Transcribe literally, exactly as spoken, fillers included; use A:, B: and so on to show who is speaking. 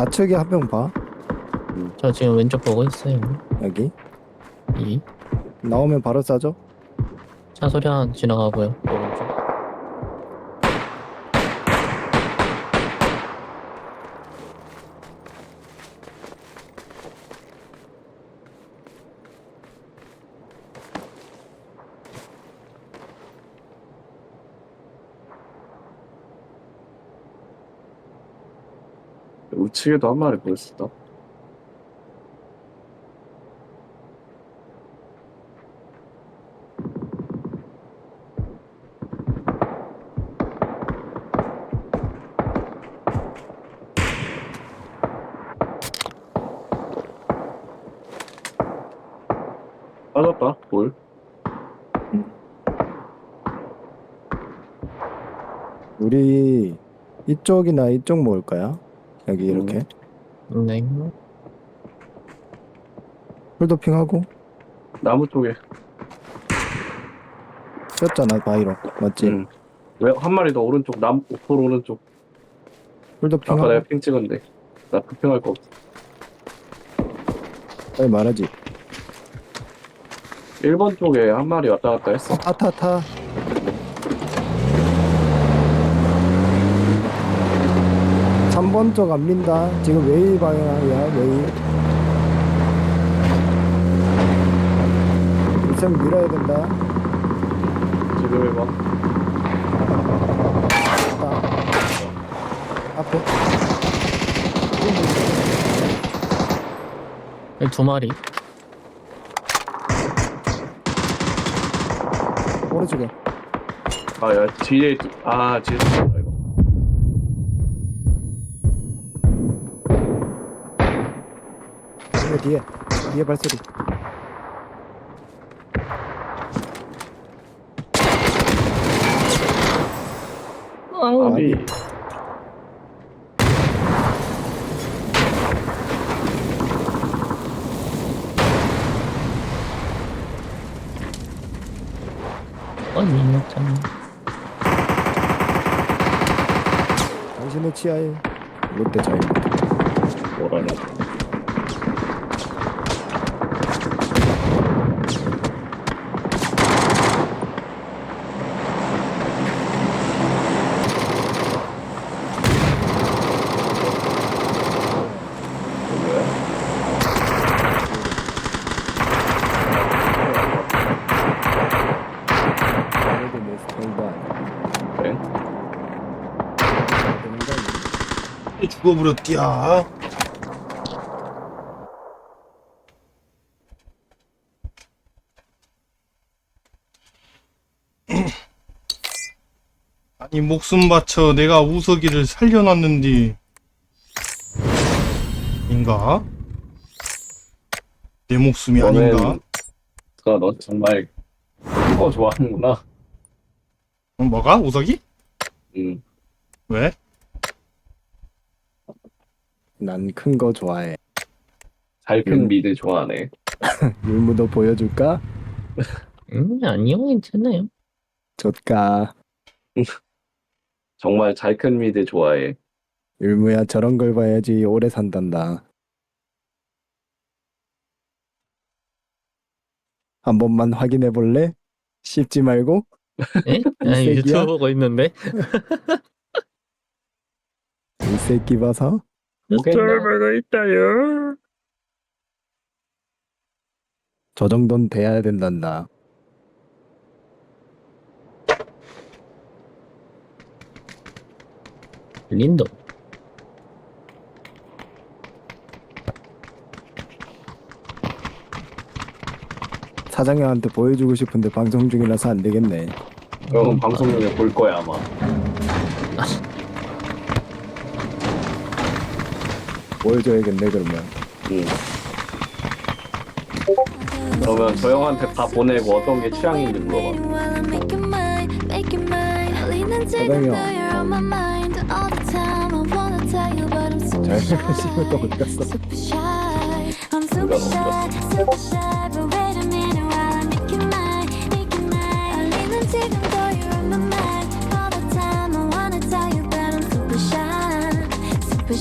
A: 좌측에 한 명 봐.
B: 저 지금 왼쪽 보고 있어요.
A: 여기
B: 이
A: 나오면 바로 쏴줘.
B: 차 소리 하나 지나가고요. 오른쪽.
C: 우측에도 한 마리 보였었다. 빠졌다, 볼.
A: 우리 이쪽이나 이쪽 모을 거야. 여기 이렇게
B: 네.
A: 풀도핑하고
C: 나무 쪽에.
A: 꼈잖아 바이로. 맞지?
C: 응. 왜, 한 마리 더 오른쪽, 남, 오폴 오른쪽. 아까
A: 풀도핑하고
C: 내가 핑 찍었는데. 나 부평할 거 없어.
A: 빨리 말하지.
C: 일 번 쪽에 한 마리 왔다 갔다 했어.
A: 타타타. 삼 번 쪽 안 민다. 지금 웨이 방향이야. 웨이. 이쌤 밀어야 된다.
C: 지금 일 번.
A: 딱. 앞에.
B: 여기 두 마리.
A: 오른쪽에.
C: 아, 야, 뒤에, 두- 아, 뒤에 쏜다, 이거.
A: 뒤에 뒤에. 뒤에 발소리.
C: 아비.
B: 아니, 참.
A: 당신의 치아에 롯데 자유.
C: 뭐라냐.
A: 롯데 메스 뱅반.
C: 그래?
A: 되는 거 아니야?
D: 죽어버렸디야. 아니 목숨 바쳐 내가 우석이를 살려놨는디 인가? 내 목숨이 아닌가?
C: 너는, 너 정말 큰 거 좋아하는구나.
D: 어, 뭐가? 우석이?
C: 응.
D: 왜?
A: 난 큰 거 좋아해.
C: 잘 큰
A: 음.
C: 미드 좋아하네.
A: 율무도 보여줄까?
B: 음, 아니요, 괜찮아요.
A: 좋까.
C: 정말 잘 큰 미드 좋아해.
A: 율무야 저런 걸 봐야지 오래 산단다. 한 번만 확인해 볼래? 씹지 말고.
B: 예? 아,
A: 새끼야?
B: 유튜브 보고 있는데.
A: 이 새끼 봐서.
C: 뭐겠냐?
B: 보고 있다요.
A: 저 정도는 돼야 된단다.
B: 린도.
A: 사장님한테 보여주고 싶은데 방송 중이라서 안 되겠네.
C: 그럼 방송 중에 볼 거야 아마.
A: 보여줘야겠네 그러면.
C: 응. 그러면 저 형한테 다 보내고 어떤 게 취향인지 물어봐.
A: 사장이 형. 잘 씨발 또 어디 갔어?
C: 누가 넣었어?